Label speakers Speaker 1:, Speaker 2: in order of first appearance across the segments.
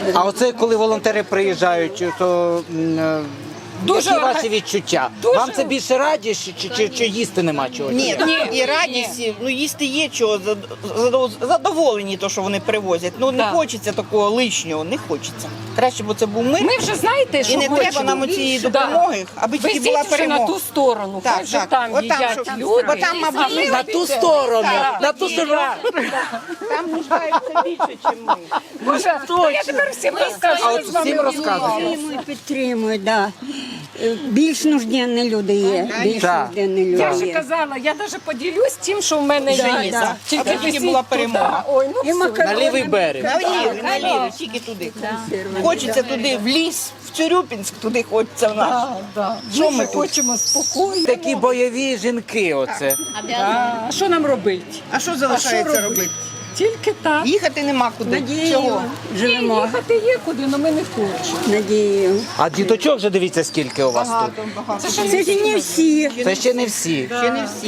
Speaker 1: А оце коли волонтери приїжджають, то
Speaker 2: Дуже
Speaker 1: які ваші відчуття? Вам це більше радість чи їсти нема чого?
Speaker 3: Ні, і радість, ну їсти є чого, задоволені то, що вони привозять. Ну не хочеться такого лишнього, не хочеться. Краще б це був мир.
Speaker 2: Ми вже знаєте, що
Speaker 3: І не треба
Speaker 2: хочемо.
Speaker 3: нам цієї допомоги, аби тільки була
Speaker 2: Везіть вже на
Speaker 3: перемога.
Speaker 2: ту сторону, хай вже там
Speaker 3: Отам,
Speaker 2: їдять
Speaker 3: щоб-
Speaker 2: люди.
Speaker 3: бо там, мабуть,
Speaker 1: На ту сторону! На ту сторону!
Speaker 3: там нуждаються більше, ніж ми.
Speaker 2: Боже, я тепер всім розкажу.
Speaker 1: А от всім розказують.
Speaker 4: Підтримують, да. Більш нужденні люди є. Більш
Speaker 1: Так.
Speaker 4: нужденні
Speaker 2: Я
Speaker 4: люди
Speaker 2: вже
Speaker 4: є.
Speaker 2: казала, я навіть поділюсь тим, що в мене є.
Speaker 3: да.
Speaker 2: Тільки
Speaker 3: Аби тільки
Speaker 2: везіть
Speaker 3: була
Speaker 2: туди.
Speaker 3: перемога.
Speaker 2: Ой, ну
Speaker 4: І
Speaker 2: все.
Speaker 4: макарони.
Speaker 1: На лівий берег.
Speaker 3: Наліво, тільки туди. Хочеться туди, в ліс, в Цюрюпінськ, туди хочеться в нас.
Speaker 2: Що ми хочемо спокійно.
Speaker 1: Такі бойові жінки оце.
Speaker 2: А що нам робити?
Speaker 3: А що залишається робити?
Speaker 2: Тільки так.
Speaker 3: Їхати нема куди.
Speaker 4: Надією
Speaker 3: Чого?
Speaker 4: живемо.
Speaker 2: Їхати є куди, але ми не хочемо.
Speaker 4: Надією.
Speaker 1: А діточок вже дивіться, скільки у вас тут.
Speaker 3: Багато.
Speaker 4: Це ж не всі.
Speaker 1: Це ще не всі.
Speaker 3: Ще не всі.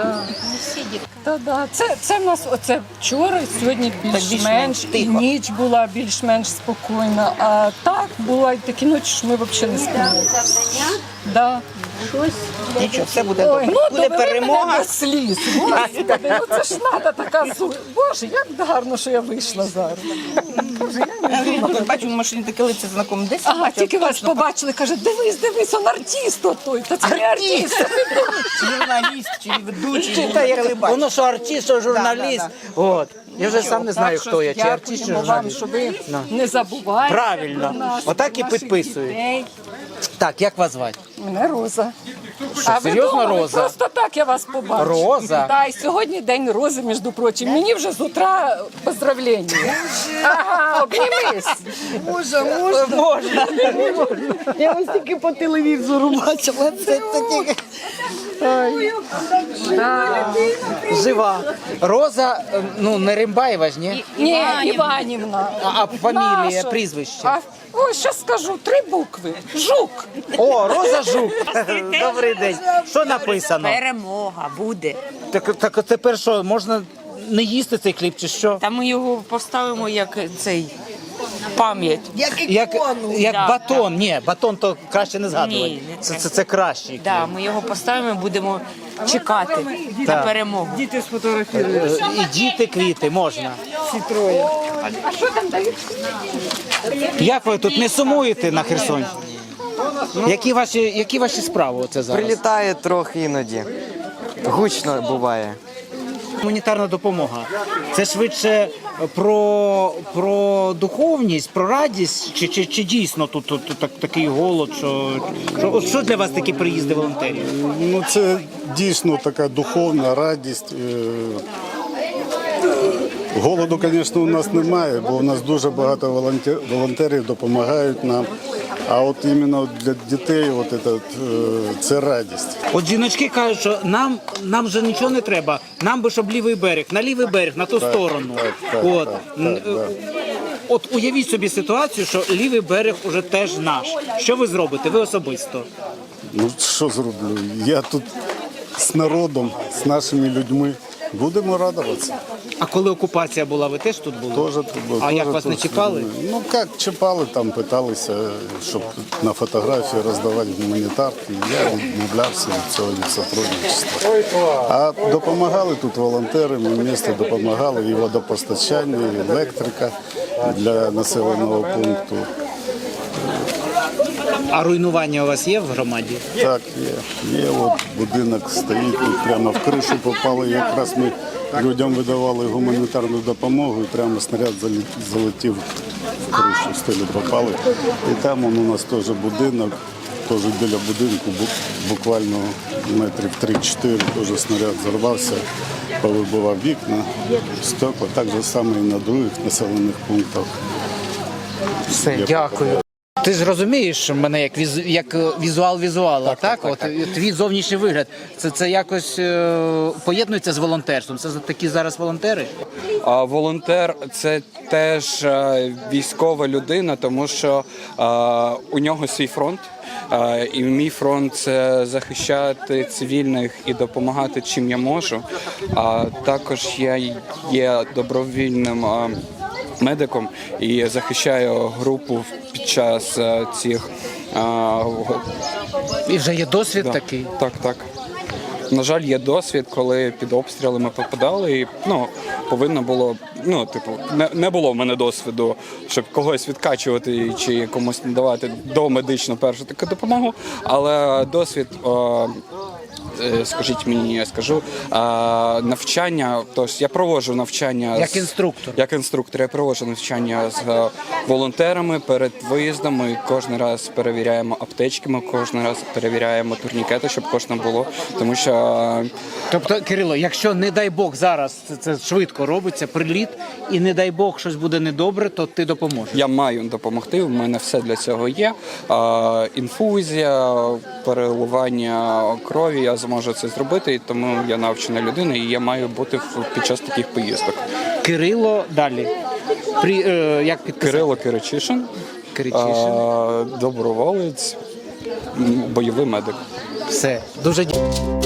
Speaker 2: Та-да. Це в нас оце вчора, сьогодні більш-менш, і
Speaker 3: тихо.
Speaker 2: ніч була більш-менш спокійна. А так була такі ночі, що ми взагалі не спимо. Да.
Speaker 3: Нічого, все буде
Speaker 2: Ой,
Speaker 3: добре.
Speaker 2: ну
Speaker 3: Буде
Speaker 2: довели мене
Speaker 3: перемога.
Speaker 2: до сліз. Господи, ну це ж треба така Боже, як гарно, що я вийшла зараз.
Speaker 3: Бачу, в машині таке лице знакоме. Десь
Speaker 2: Ага,
Speaker 3: бачила,
Speaker 2: тільки вас
Speaker 3: точно
Speaker 2: побачили, каже, дивись, он артист отой. Та це не артист.
Speaker 3: Чи журналіст, чи ведучий,
Speaker 1: Та як
Speaker 3: телебачення.
Speaker 1: воно що артист, що журналіст. От. Я вже сам не знаю, хто я, чи артист, чи
Speaker 2: Дякуємо вам,
Speaker 1: журналіст.
Speaker 2: що ви не забуваєте.
Speaker 1: Правильно.
Speaker 2: про нас,
Speaker 1: Отак і
Speaker 2: наших
Speaker 1: підписують.
Speaker 2: дітей.
Speaker 1: Так, як вас звати?
Speaker 2: Мене Роза.
Speaker 1: Що,
Speaker 2: А ви
Speaker 1: серйозно
Speaker 2: думали,
Speaker 1: Роза?
Speaker 2: Просто так я вас побачила.
Speaker 1: Роза?
Speaker 2: Так, і сьогодні день Рози, між прочим. Мені вже з утра поздравлення. Ага, обнімись.
Speaker 1: Можна.
Speaker 3: Я ось тільки по телевізору бачила. Це тільки...
Speaker 1: Жива. Роза, ну не Римбаєва ж, ні?
Speaker 2: Ні, Іванівна.
Speaker 1: А фамілія,
Speaker 2: Наша.
Speaker 1: прізвище?
Speaker 2: Ось, зараз скажу, 3 букви. Жук.
Speaker 1: О, Роза Жук. Добрий день. Що написано?
Speaker 5: Перемога буде.
Speaker 1: Так тепер що, можна не їсти цей хліб чи що?
Speaker 5: Та ми його поставимо як цей пам'ять.
Speaker 1: Як
Speaker 5: Да,
Speaker 1: батон. Ні, батон то краще не згадувати.
Speaker 5: Ні, не
Speaker 1: Це кращий.
Speaker 5: Да, ми його поставимо і будемо чекати на
Speaker 1: Так.
Speaker 5: перемогу.
Speaker 1: І діти, квіти можна.
Speaker 2: А що там дають?
Speaker 1: Як ви тут не сумуєте на Херсонщині? Які ваші справи оце зараз?
Speaker 6: Прилітає трохи іноді. Гучно буває.
Speaker 1: Гуманітарна допомога. Це швидше про духовність, про радість, чи дійсно тут такий голод, от що для вас такі приїзди волонтерів?
Speaker 7: Ну, це дійсно така духовна радість. Голоду, звісно, у нас немає, бо у нас дуже багато волонтерів допомагають нам. А от іменно для дітей це радість.
Speaker 1: От жіночки кажуть, що нам вже нічого не треба, нам би щоб лівий берег, на ту сторону. От уявіть собі ситуацію, що лівий берег уже теж наш. Що ви зробите? Ви особисто?
Speaker 7: Ну, що зроблю? Я тут з народом, з нашими людьми. Будемо радуватися.
Speaker 1: А коли окупація була, ви теж тут були?
Speaker 7: Тоже,
Speaker 1: А як вас не чіпали?
Speaker 7: Ну, як чіпали, там питалися, щоб на фотографії роздавати гуманітарки. Я відмовлявся від цього, від сотрудничества. А допомагали тут волонтери, ми в місті допомагали і водопостачання, і електрика для населеного пункту.
Speaker 1: А руйнування у вас є в громаді?
Speaker 7: Так, є. От будинок стоїть, тут прямо в кришу попали. Якраз ми людям видавали гуманітарну допомогу, і прямо снаряд залетів в кришу, в стелю попали. І там у нас теж будинок, теж біля будинку, буквально метрів 3-4, теж снаряд зарвався, повибивав вікна, стекла. Так же саме і на других населених пунктах.
Speaker 1: Все, дякую. Ти ж розумієш мене як візуал, так? От твій зовнішній вигляд. Це якось поєднується з волонтерством. Це такі зараз волонтери?
Speaker 8: Волонтер – це теж військова людина, тому що у нього свій фронт. І мій фронт – це захищати цивільних і допомагати, чим я можу. А також я є добровільним медиком і захищаю групу під час цих.
Speaker 1: І вже є досвід
Speaker 8: Да.
Speaker 1: такий.
Speaker 8: Так. На жаль, є досвід, коли під обстрілами попадали, і повинно було, не було в мене досвіду, щоб когось відкачувати чи комусь надавати домедичну першу таку допомогу, але досвід. Скажіть мені, я скажу, навчання, тож я проводжу навчання
Speaker 1: Як інструктор.
Speaker 8: Як інструктор, я проводжу навчання з волонтерами перед виїздом. Ми кожен раз перевіряємо аптечки, ми кожен раз перевіряємо турнікети, щоб кожному було, тому що
Speaker 1: Тобто, Кирило, якщо, не дай Бог, зараз це швидко робиться, приліт, і не дай Бог щось буде недобре, то ти допоможеш.
Speaker 8: я маю допомогти, у мене все для цього є. Інфузія, переливання крові, я зможу це зробити, і тому я навчена людина, і я маю бути під час таких поїздок.
Speaker 1: Кирило далі. Як підписати?
Speaker 8: Кирило Киричишин,
Speaker 1: Киричишин.
Speaker 8: доброволець, бойовий медик.
Speaker 1: Все. Дуже дякую.